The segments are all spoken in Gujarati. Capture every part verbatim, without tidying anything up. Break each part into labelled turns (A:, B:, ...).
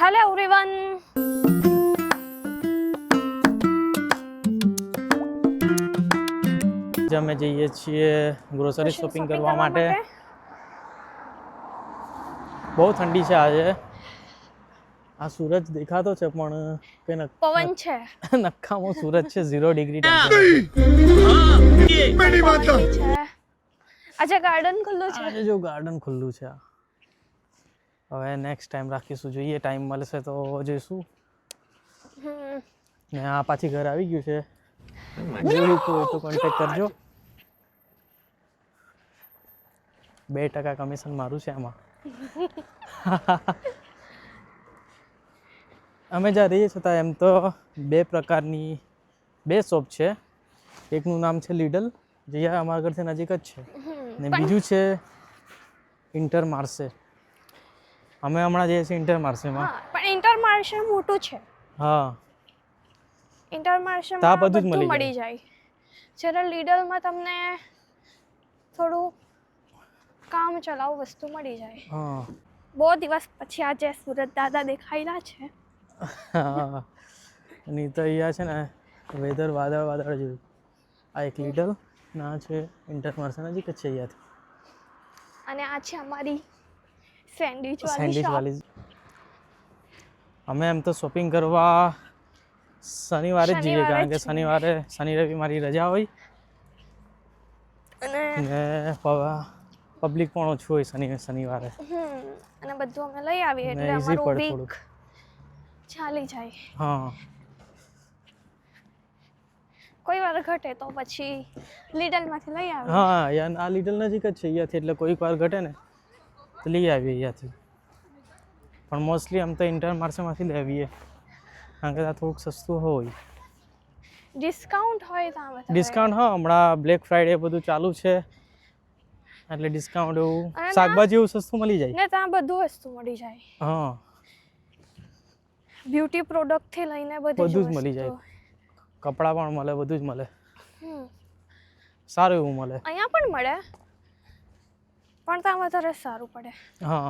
A: હેલો એવરીવન,
B: અમે જઈએ છીએ ગ્રોસરી શોપિંગ કરવા માટે. બહુ ઠંડી છે આજે. આ સૂરજ દેખાતો છે પણ કે
A: પવન છે,
B: નક્કામાં સૂરજ છે. ઝીરો ડિગ્રી
A: છે. આજે ગાર્ડન ખુલ્લું છે.
B: આજે જો ગાર્ડન ખુલ્લું છે. હવે નેક્સ્ટ ટાઈમ રાખીશું, જોઈએ ટાઈમ મળશે તો જઈશું. ને આ પાછી ઘર આવી ગયું છે. જોયું તો તો કોન્ટેક્ટ કરજો. બે ટકા કમિશન મારું છે આમાં. અમે જ્યાં રહીએ છતાં એમ તો બે પ્રકારની બે શોપ છે. એકનું નામ છે લીડલ, જે અમારા ઘરથી નજીક જ છે, ને બીજું છે ઇન્ટર માર્સે. અમે હમણાં જઈએ છીએ ઇન્ટર માર્સેમાં.
A: પણ ઇન્ટર માર્સે મોટું છે.
B: હા,
A: ઇન્ટર માર્સેમાં બધું જ મળી જાય. જ્યારે લીડલમાં તમને થોડું કામ ચલાવ વસ્તુ મળી જાય.
B: હા,
A: બહુ દિવસ પછી આજે સુરત દાદા દેખાયેલા છે.
B: નહીં તો અહીંયા છે ને વેધર વાદળ વાદળ જેવું. આ એક લીડલ ના છે ઇન્ટર માર્સે નજીક જ છે અહીંયાથી.
A: અને આ છે અમારી સેન્ડવિચ વાળી
B: સેન્ડવિચ
A: શોપ.
B: વાળી. અમે એમ તો શોપિંગ કરવા શનિવારે જ જઈએ, કારણ કે શનિવારે શનિ રવિ મારી રજા હોય
A: અને
B: ને પબ્લિક પણ ઓછું હોય શનિ શનિવારે.
A: અને બધું અમે લઈ આવીએ એટલે અમારું વીક ચાલી જાય.
B: હા,
A: કોઈ વાર ઘટે તો પછી લીડલમાંથી લઈ આવીએ.
B: હા, યાર આ લીડલ નજીક જ છે અહીંયાથી, એટલે કોઈક વાર ઘટે ને તો લઈ આવીએ અહીંયાથી. પણ મોસ્ટલી આમ તો ઇન્ટર માર્સેમાંથી લઈ આવીએ, કારણ કે ત્યાં થોડુંક સસ્તું હોય.
A: ડિસ્કાઉન્ટ હોય ત્યાં.
B: ડિસ્કાઉન્ટ હા, હમણાં બ્લેક ફ્રાઈડે બધું ચાલુ છે એટલે ડિસ્કાઉન્ટ એવું શાકભાજી એવું સસ્તું મળી જાય
A: ને ત્યાં બધું વસ્તુ મળી જાય.
B: હા,
A: બ્યુટી પ્રોડક્ટ થી લઈને બધું
B: બધું જ મળી જાય. કપડાં પણ મળે, બધું જ મળે. સારું એવું મળે.
A: અહીંયા પણ મળે પણ ત્યાં વધારે સારું પડે.
B: હા,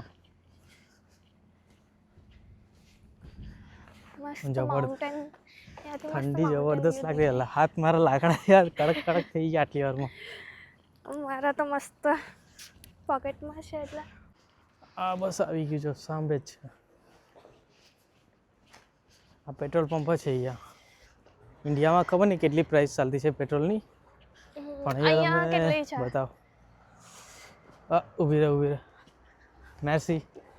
A: મસ્ત માઉન્ટેન.
B: ઠંડી જબરદસ્ત લાગે. હાથ મારા લાકડા યાર કડક કડક થઈ ગયા આટલી વારમાં.
A: મારા તો મસ્ત પોકેટમાં છે એટલે.
B: આ બસ આવી ગયું, જો સાંભળે જ છે. આ પેટ્રોલ પંપ છે અહીંયા. ઇન્ડિયામાં ખબર નહીં કેટલી પ્રાઇસ ચાલતી છે પેટ્રોલની, પણ અહીંયા તમે બતાવો. ઊભી રહે ઊભી રહે મેર્સી.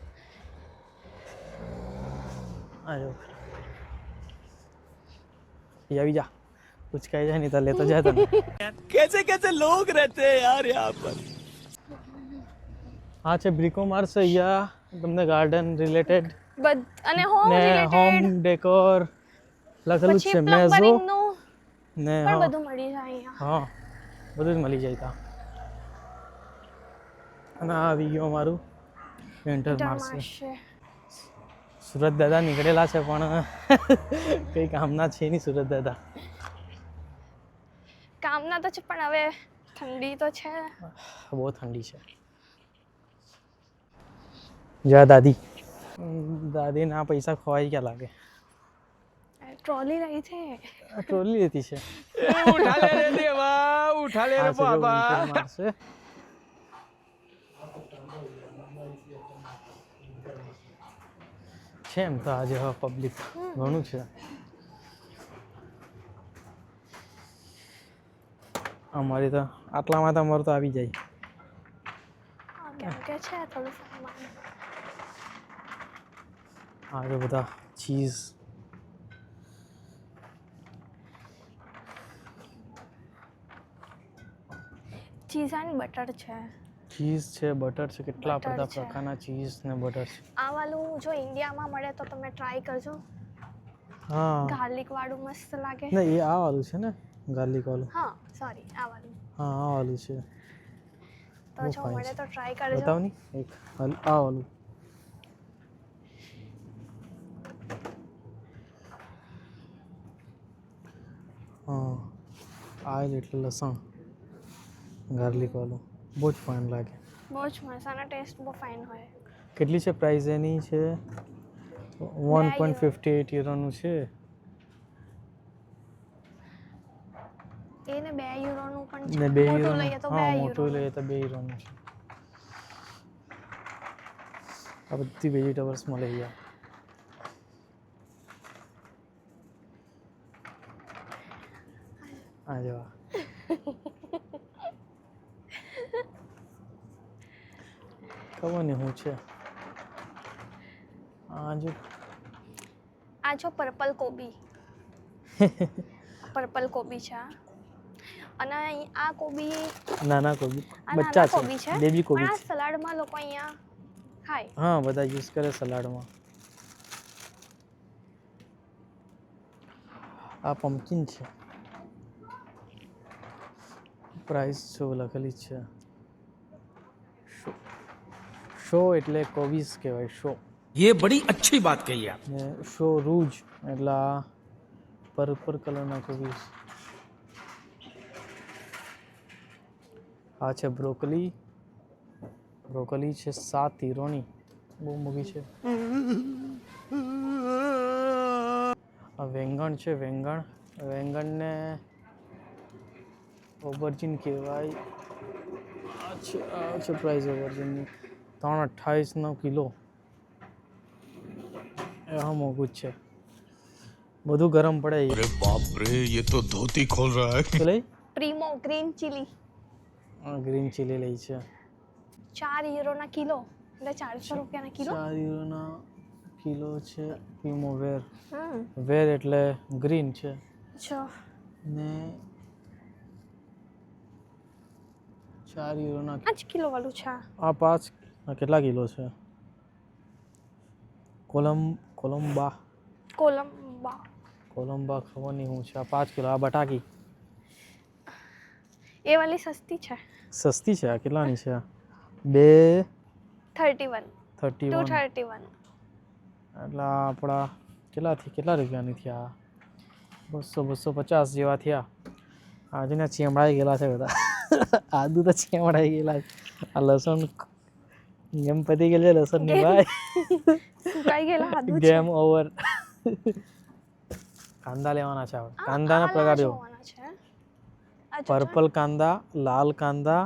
B: આજો આવી જા, ઉચકાઈ જાય નહીં તો લેતો જાય તને. कैसे कैसे लोग रहते हैं यार यहाँ पर. હા છે બ્રિકો માર્સ. અહીંયા તમને ગાર્ડન રિલેટેડ
A: અને હોમ રિલેટેડ
B: હોમ ડેકોર લખેલું છે. મેઝો ને
A: પણ બધું મળી જાય અહીંયા.
B: હા, બધું જ મળી જાય ત્યાં. અને આ આવી ગયું અમારું ઇન્ટર માર્સે. સુરત દાદા નીકળેલા છે પણ કંઈ કામના છે નહીં. સુરત દાદા
A: કામના તો છે પણ હવે ઠંડી તો છે.
B: બહુ ઠંડી છે. જા દાદી. દાદી ના પૈસા ખોવાઈ ગયા લાગે.
A: ટ્રોલી રહી છે.
B: ટ્રોલી લેતી છે.
C: ઉઠા લે રે દેવા, ઉઠા લે રે બાબા.
B: છે એમ તો આજે હવે પબ્લિક ઘણું છે. અમારી તો આટલામાં તો અમારું તો આવી જાય.
A: કેમ કે છે થોડું સામાન.
B: આ બધા ચીઝ.
A: ચીઝ એન્ડ બટર છે.
B: ચીઝ છે, બટર છે, કેટલા બધા પ્રકારના ચીઝ ને બટર છે.
A: આ વાળું જો ઇન્ડિયામાં મળે તો તમે ટ્રાય કરજો.
B: હા,
A: ગાર્લિક વાળું મસ્ત લાગે.
B: નહીં એ આ વાળું છે ને, ગાર્લિક વાળું.
A: હા સોરી, આ વાળું.
B: હા, આ વાળું છે.
A: તો જો મળે તો ટ્રાય કરજો.
B: બતાવ ની એક આ વાળું. હા, આ એટલે લસણ ગાર્લિક વાળું. બહુ જ ફાઇન લાગે.
A: બહુ જ મસ્ત. આનો ટેસ્ટ બહુ ફાઇન હોય.
B: કેટલી છે પ્રાઇસ એની? છે તો વન પોઈન્ટ ફિફ્ટી એટ યુરોનું છે.
A: એને બે યુરોનું પણ છે.
B: ને બે
A: મોટું
B: યુરોનું
A: લઈએ તો બે
B: હા મોટું
A: યુરોનું.
B: લઈએ તો બે યુરોનું છે. આ બધી વેજીટેબલ્સ મળે અહીંયા. આ જોવા ખબર નહીં શું છે આ જો
A: આ જો પર્પલ કોબી પર્પલ કોબી છે આ. અને અહીં આ કોબી
B: નાના કોબી
A: આ
B: બચ્ચા
A: નાના કોબી
B: છે
A: છે
B: બેબી
A: પણ
B: કોબી
A: આ
B: છે.
A: સલાડમાં લોકો અહીંયા ખાય.
B: હા બધા યુઝ કરે સલાડમાં. આ પમ્પકિન છે. પ્રાઇસ શો લખેલી છે. શો શો એટલે કોબીસ કહેવાય શો.
C: ये बड़ी अच्छी बात कही आप.
B: ને શો રૂજ એટલે આ પર્પલ કલરના કોબીસ. આ છે બ્રોકલી. બ્રોકલી છે સાત યુરોની, બહુ મોંઘી છે. આ વેંગણ છે વેંગણ. વેંગણને ઓવરજીન કહેવાય. આ છે આ છે પ્રાઇસ ઓવરજીનની ત્રણ અઠ્ઠાવીસનો કિલો. એ હા મોંઘું જ છે. બધું ગરમ પડે.
D: अरे बाप रे ये तो धोती खोल रहा है.
B: તો લઈ
A: પ્રીમો ગ્રીન ચીલી
B: ગ્રીન ચીલી લઈ છે.
A: ચાર યુરોના કિલો એટલે ચારસો રૂપિયાના કિલો.
B: ચાર યુરોના કિલો છે. પ્રીમો વેર.
A: હમ
B: વેર એટલે ગ્રીન છે.
A: અચ્છા
B: ને ચાર યુરોના
A: પાંચ કિલો વાળું છે આ.
B: આ પાંચ આ કેટલા કિલો છે? કોલમ કોલંબા
A: કોલંબા
B: કોલંબા ખબર નહીં શું છે. આ પાંચ કિલો. આ બટાકી
A: એ વાલી સસ્તી છે.
B: સસ્તી છે. આ કેટલાની છે? બે
A: thirty one
B: thirty
A: two
B: one
A: thirty one
B: એટલે આ આપણા કેટલાથી કેટલા રૂપિયાની થયા? બસો બસો પચાસ જેવા થયા. આજના ચેમડાઈ ગયેલા છે બધા. આદુ તો ચેમડાઈ ગયેલા છે. આ લસણ ગેમ પતી ગયેલ છે લસણની ભાઈ.
A: સુકાઈ ગયેલા આદુ છે.
B: Game over. કાંદા લેવાના છે આપણે. કાંદાના
A: આ
B: પ્રકાર જો
A: જોવાના છે. આ જો
B: પર્પલ કાંદા, લાલ કાંદા,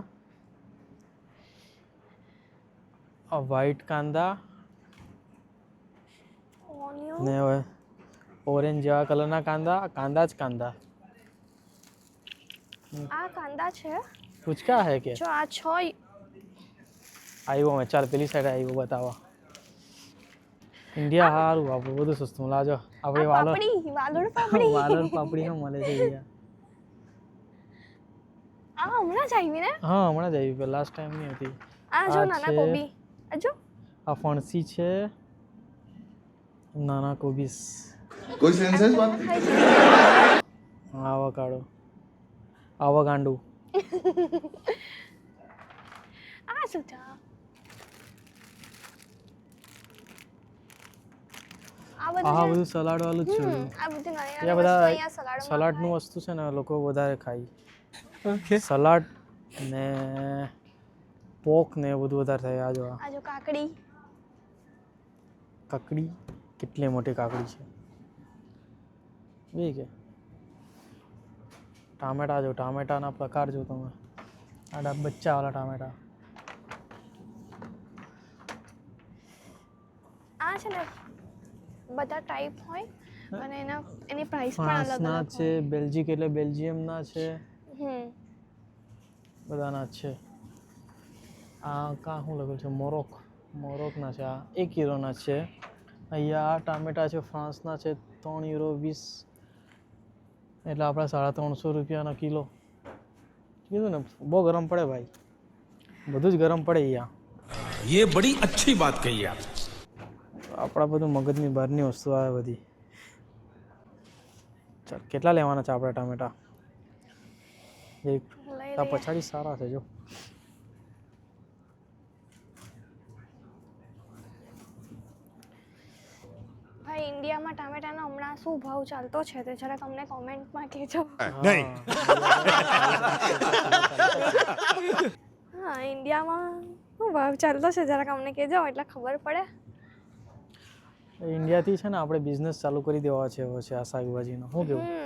B: વ્હાઈટ કાંદા
A: ઓનિયન
B: ને ઓરેન્જ જેવા કલરના કાંદા. કાંદા જ કાંદા.
A: આ કાંદા છે.
B: પૂચકા હે કે
A: જો આ છ
B: આવ્યો અમે ચાલ પેલી સાઈડ આવ્યો બતાવવા. ઇન્ડિયા સારું આપણું બધું સસ્તું લાજો. આપણે
A: આ
B: વાલર
A: પાપડી વાલોડ પાપડી
B: વાલર પાપડી હા મળે છે અહીંયા.
A: આ હમણાં જ આવી ને.
B: હા હમણાં જ આવી પેલા લાસ્ટ ટાઈમ નહીં હતી.
A: આ જો
B: આ
A: નાના
B: છે.
A: કોબી આ જો
B: આ ફણસી છે. નાના કોબીસ.
D: कोई सेंस है इस बात
A: ખાઈ છે.
B: આવા કાઢો આવા ગાંડું.
A: આ શું છે? આ બધું
B: આ
A: છે.
B: બધું સલાડ વાળું જ છે.
A: હમ, આ બધું નાની
B: ત્યાં
A: નાની વસ્તુ
B: બધા
A: અહીંયા સલાડમાં
B: સલાડનું વસ્તુ છે ને લોકો વધારે ખાય. સલાડ ને પોક ને એ બધું વધારે થાય. આ જો આ
A: આ જો કાકડી
B: કાકડી કેટલી મોટી કાકડી છે. એ કે ટામેટા જો ટામેટાના પ્રકાર જો તમે. આ બચ્ચાવાળા ટામેટા.
A: આ છે ને બધા ટાઈપ હોય અને એના એની પ્રાઇસ પણ અલગ
B: ફ્રાન્સના
A: અલગ
B: છે, બેલ્જિક એટલે બેલ્જિયમના છે,
A: હમ
B: બધાના જ છે. આ કાં શું લખ્યું છે? મોરોક મોરોકના છે. આ એક યુરોના છે. અહીંયા આ ટામેટા છે ફ્રાન્સના છે ત્રણ યુરો વીસ એટલે આપણા સાડા ત્રણસો રૂપિયાના કિલો. કીધું ને બહુ ગરમ પડે ભાઈ. બધું જ ગરમ પડે અહીંયા.
C: ये बड़ी अच्छी बात कही आप.
B: આપણા બધું મગજની બહારની વસ્તુ આવે બધી. ચાલ કેટલા લેવાના છે આપણે ટામેટા? એક
A: લઈ
B: આ
A: લઈએ.
B: પછાડી સારા છે જો.
A: ભાઈ ઇન્ડિયામાં ટામેટાનો હમણાં શું ભાવ ચાલતો છે તે જરાક અમને કોમેન્ટમાં કહેજો.
D: नहीं
A: હા ઇન્ડિયામાં શું ભાવ ચાલતો છે જરાક અમને કહેજો એટલે ખબર પડે.
B: ઇન્ડિયાથી છે ને આપણે બિઝનેસ ચાલુ કરી દેવા છે હવે છે આ શાકભાજીનો શું કેવું
A: હમ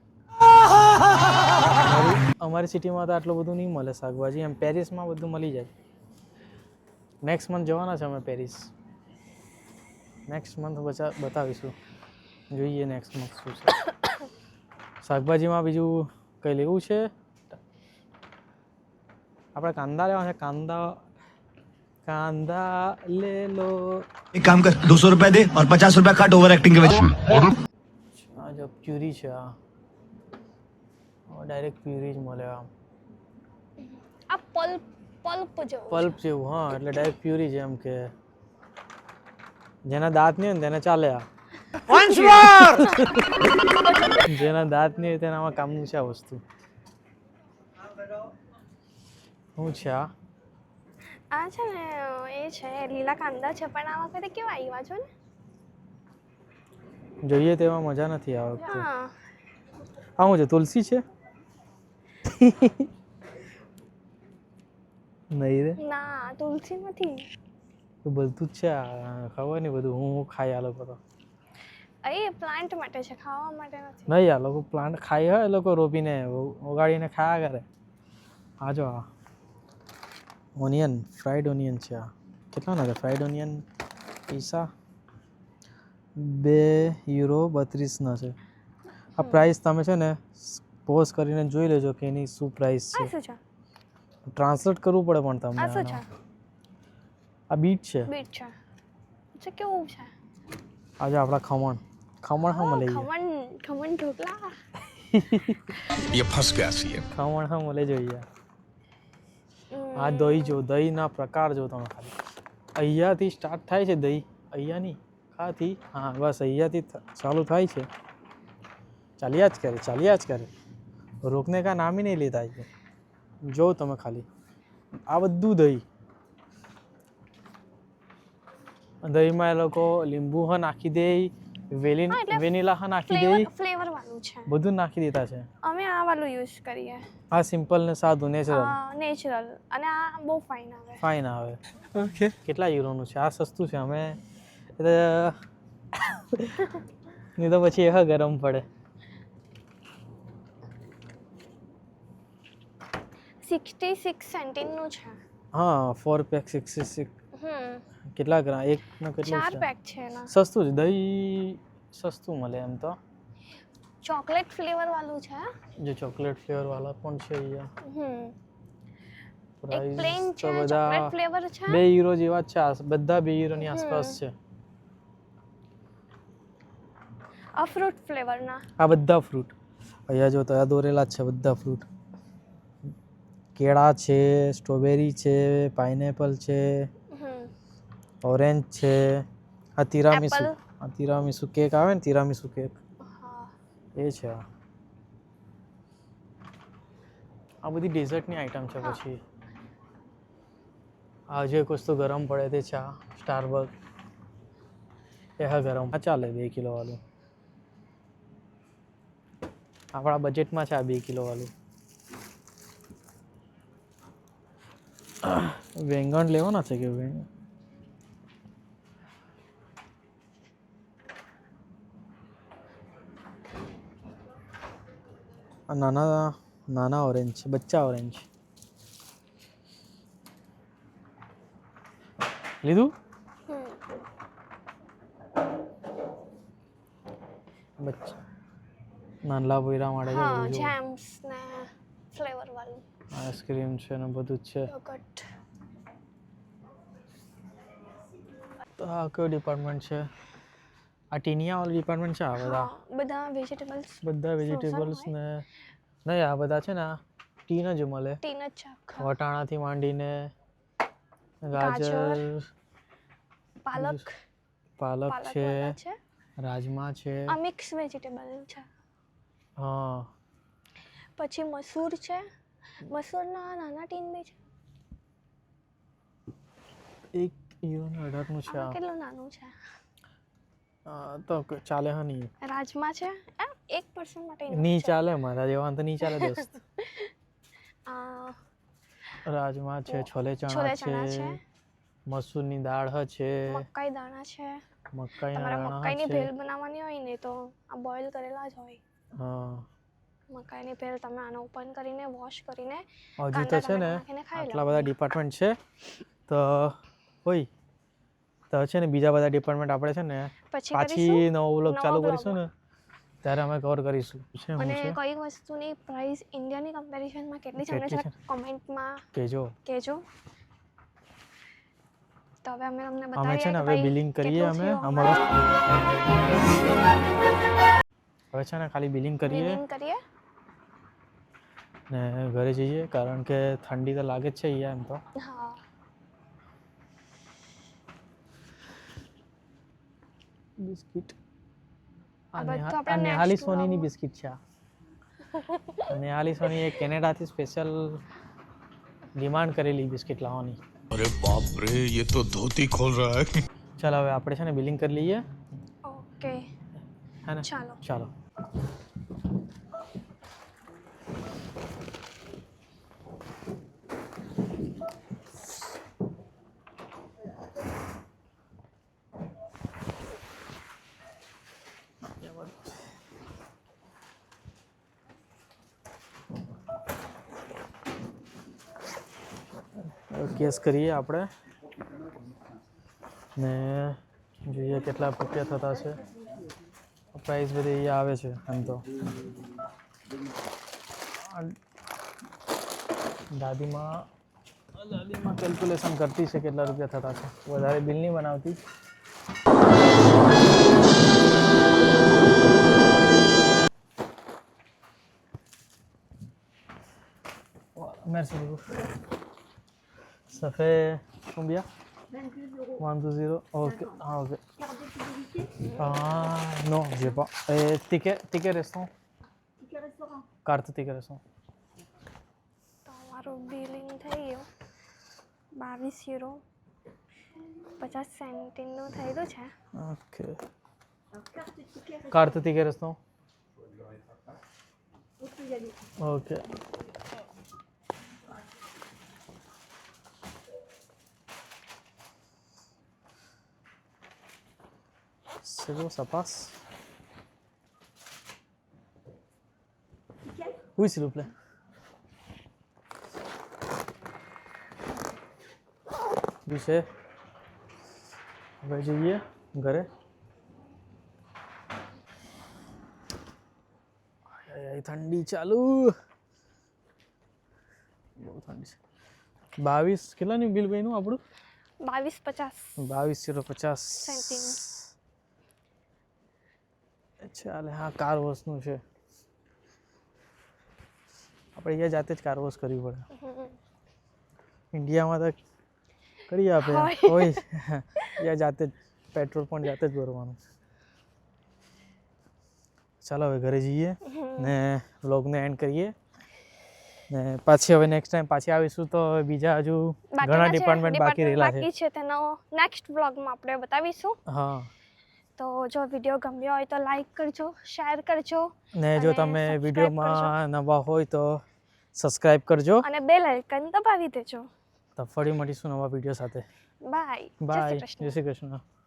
B: અમારી અમારી સિટીમાં તો આટલું બધું નહીં મળે શાકભાજી એમ પેરિસમાં બધું મળી જાય નેક્સ્ટ મંથ જવાના છે અમે પેરિસ નેક્સ્ટ મંથ બચા બતાવીશું જોઈએ નેક્સ્ટ મંથ શું છે શાકભાજીમાં બીજું કંઈ લેવું છે આપણે કાંદા લેવા છે કાંદા કાંદા લે લો
E: एक काम कर दो सौ रुपया दे और पचास रुपया काट ओवर एक्टिंग के वजह
B: આ જો પ્યુરી છે આ ડાયરેક્ટ પ્યુરી જ મળે આમ
A: આ પલ્પ પલ્પ જેવું
B: પલ્પ જેવું હા એટલે ડાયરેક્ટ પ્યુરી છે એમ કે જેના દાંત નહીં હોય ને તેને ચાલે આ જેના દાંત નહીં હોય તેનામાં કામનું છે આ વસ્તુ શું છે આ
A: આ છે ને એ છે લીલા કાંદા છે પણ આ વખતે કેવા આવ્યા છો ને
B: જોઈએ તેમાં મજા નથી આ વખતે
A: હા
B: આ શું છે તુલસી છે નહીં રે
A: ના તુલસી નથી
B: તો બધું જ છે આ ખબર નહીં બધું હું હું ખાઈ આ લોકો તો
A: એ પ્લાન્ટ માટે છે ખાવા માટે નથી
B: નહીં આ લોકો પ્લાન્ટ ખાઈ હોય એ લોકો રોપીને ઉગાડીને ખાયા કરે આ જો આ ઓનિયન ફ્રાઈડ ઓનિયન છે આ કેટલાના છે ફ્રાઈડ ઓનિયન પૈસા બે યુરો બત્રીસના છે આ પ્રાઇસ તમે છે ને પોઝ કરીને જોઈ લેજો કે એની શું પ્રાઇસ
A: આ
B: છે
A: શું છે
B: ટ્રાન્સલેટ કરવું પડે પણ તમને
A: આ શું છે
B: આનો. આ બીટ છે
A: બીટ છે છે કેવું છે
B: આ જો આપણા ખમણ ખમણ હા મળે
A: ખમણ ખમણ ઢોકળા
D: ये फंस गया सीएम
B: ખમણ હા મળે જોઈએ આ દહીં જો દહીંના પ્રકાર જો તમે ખાલી અહીંયાથી સ્ટાર્ટ થાય છે દહીં અહીંયાની ખાથી હા બસ અહીંયાથી થ- ચાલુ થાય છે ચાલ્યા જ કરે ચાલ્યા જ કરે રોકને કા નામ ही नहीं લેતા છે જો તમે ખાલી આ બધું દહીં દહીંમાં એ લોકો લીંબુ હા નાખી દે વેલી
A: હા, એટલે
B: વેનીલા હા નાખી દે
A: ફ્લેવર ફ્લેવર વાળું છે
B: બધું નાખી દેતા છે
A: અમે આ વાળું યુઝ કરીએ
B: આ સિમ્પલ ને સાદું નેચરલ
A: નેચરલ અને આ બહુ ફાઇન આવે
B: ફાઇન આવે ઓકે કેટલા યુરોનું છે આ સસ્તું છે અમે એ તો નહીં તો પછી એ ગરમ પડે
A: સિક્સટી સિક્સ સેન્ટીનું છે
B: હા ફોર પેક સિક્સટી સિક્સ
A: હમ
B: કેટલા ગ્રામ એક નો કેટલું
A: ચાર
B: છે
A: પેક છે એના
B: સસ્તું છે દહીં સસ્તું મળે એમ તો
A: ચોકલેટ ફ્લેવર વાળું છે
B: જે ચોકલેટ ફ્લેવર વાળા પણ છે અહીંયા
A: હમ એક
B: પ્રાઇસ
A: પ્લેન
B: તો
A: છે ચોકલેટ
B: બધા
A: ફ્લેવર છે
B: બે યુરો જેવા જ છે આ બધા બે યુરોની આસપાસ છે
A: આ ફ્રૂટ ફ્લેવરના
B: આ બધા ફ્રૂટ અહીંયા જો તો આ દોરેલા જ છે બધા ફ્રૂટ કેળા છે સ્ટ્રોબેરી છે પાઇનેપલ છે
A: હમ
B: ઓરેન્જ છે આ તિરામીસુ
A: Apple.
B: આ તિરામીસુ કેક આવે ને તિરામીસુ કેક
A: હા
B: એ છે આ આ બધી ડેઝર્ટની આઈટમ છે પછી આ જે વસ્તુ ગરમ પડે તે છે આ સ્ટારબક એ હા ગરમ આ ચાલે બે કિલો વાળું આપણા બજેટમાં છે આ બે કિલો વાળું વેંગણ લેવાના છે કે વેંગણ આ નાના નાના ઓરેન્જ છે બચ્ચા ઓરેન્જ લીધું
A: હમ
B: બચ્ચા નાનલા પોયરા માટે છે
A: હા
B: બધું જો.
A: જેમ્સ ને ફ્લેવર વાળું
B: આઈસ્ક્રીમ છે ને બધું જ છે
A: યોગર્ટ
B: તો આ કયો ડિપાર્ટમેન્ટ છે આ ટીનિયા વાળું ડિપાર્ટમેન્ટ છે આ બધા
A: હા બધા વેજીટેબલ્સ
B: બધા વેજીટેબલ્સ ને નહીં આ બધા છે ને આ ટીન જ મળે
A: ટીન જ છે આખા.
B: વટાણાથી માંડીને ગાજર
A: ગાજર, પાલક
B: પાલક
A: પાલક
B: છે
A: વાળા છે
B: રાજમા છે
A: આ મિક્સ વેજીટેબલ છે
B: હા
A: પછી મસૂર છે મસૂરના નાના ટીન બી છે
B: એક યુરો અઢારનું છે
A: આ
B: આ
A: કેટલું નાનું છે
B: આ તો ક- ચાલે હા નહીં
A: રાજમા છે આ એક પર્સન માટે enough
B: નહીં
A: છે.
B: ચાલે મારા જેવા તો નહીં ચાલે દોસ્ત
A: આ
B: રાજમા છે છોલે
A: છોલે
B: ચણા
A: ચણા
B: છે
A: છે
B: મસૂરની દાળ હ છે,
A: મકાઈ દાણા છે.
B: મકાઈના
A: તમારે
B: દાણા
A: મકાઈની
B: છે.
A: ભેલ બનાવવાની હોય ને તો આ બોઇલ કરેલા જ હોય.
B: હા
A: મકાઈની ભેલ તમે આને ઓપન કરીને વોશ કરીને
B: હજી તો
A: કાંદા
B: છે ને
A: ટમેટા નાખીને ખાઈ
B: આટલા બધા ડિપાર્ટમેન્ટ છે તો હોય તો છે ને બીજા બધા ડિપાર્ટમેન્ટ આપણે છે ને
A: પછી
B: પાછી
A: કરીશું
B: નવો વ્લોગ
A: નવા
B: ચાલુ
A: vlog
B: કરીશું ને ત્યારે અમે કવર કરીશું છે શું
A: અને
B: છે
A: કઈ વસ્તુની પ્રાઇસ ઇન્ડિયાની કમ્પેરિઝનમાં કેટલી છે અમને
B: કેટલી
A: જરાક કમેન્ટમાં
B: કેજો.
A: કહેજો. તો હવે અમે તમને
B: અમે
A: બતાવીએ
B: છે ને
A: કે
B: હવે
A: ભાઈ
B: બિલિંગ કરીએ
A: કેટલું
B: અમે
A: થયું
B: અમારું હવે છે ને ખાલી બિલિંગ કરીએ
A: બિલિંગ કરીએ.
B: ને ઘરે જઈએ કારણ કે ઠંડી તો લાગે જ છે અહીંયા એમ તો.
A: હા
B: બિસ્કિટ
A: આ
B: આ
A: બધું
B: નેહા-
A: આપણે
B: આ નેહાલી
A: next
B: સોનીની
A: vlog-માં.
B: બિસ્કિટ છે આ. આ નેહાલી સોની એ કેનેડાથી સ્પેશિયલ ડિમાન્ડ કરેલી બિસ્કિટ લાવવાની.
D: अरे बाप रे ये तो धोती खोल रहा है
B: ચાલો હવે આપણે છે ને બિલિંગ કરી લઈએ
A: ઓકે
B: હે ને
A: ચાલો
B: ચાલો કેસ કરીએ આપણે ને જોઈએ કેટલા રૂપિયા થતા છે. પ્રાઇસ બધી અહીંયા આવે છે એમ તો. આ દાદીમાં દાદીમાં કેલ્ક્યુલેશન કરતી છે કેટલા રૂપિયા થતા છે. વધારે બિલ નહીં બનાવતી. Merci beaucoup. Ça fait combien? un deux zéro. Ok. Ah, ok. Ah, non, j'ai pas. Et ticket, ticket restaurant? Carte ticket restaurant.
A: તો અમારું બિલિંગ થઈ ગયું બાવીસ યુરો પચાસ સેન્ટીનું થયેલું છે.
B: Ok. Carte ticket restaurant? Ok. C'est bon, ça passe. Oui, s'il vous plaît. Oui, c'est. હવે જઈએ ઘરે. આય ઠંડી ચાલુ બહુ ઠંડી છે. બાવીસ કેટલાનું બિલ બન્યું આપણું?
A: બાવીસ પચાસ
B: બાવીસ જીરો પચાસ
A: સેન્ટીનું.
B: ચાલે. હા કાર વોશનું છે. આપણે અહીંયા જાતે જ કાર વોશ કરવી પડે. ઇન્ડિયામાં તો કરી આપે
A: હોય.
B: કોઈ અહીંયા જાતે જ પેટ્રોલ પણ જાતે જ ભરવાનું. ચાલો હવે ઘરે જઈએ ને વ્લોગને એન્ડ કરીએ ને પાછી હવે નેક્સ્ટ ટાઈમ પાછી આવીશું તો હવે બીજા હજુ ઘણા ડિપાર્ટમેન્ટ બાકી રહેલા છે.
A: બાકી છે તેનો નેક્સ્ટ વ્લોગમાં આપણે બતાવીશું.
B: હા
A: તો જો વિડીયો ગમ્યો હોય તો લાઈક કરજો, શેર કરજો
B: ને જો
A: અને
B: તમે
A: subscribe
B: વિડીયોમાં નવા હોય તો સબસ્ક્રાઇબ કરજો.
A: અને બેલ આઇકન દબાવી દેજો.
B: તો ફરી મળીશું નવા વિડીયો સાથે.
A: બાય. જય શ્રી
B: બાય.
A: કૃષ્ણ.
B: જય શ્રી કૃષ્ણ.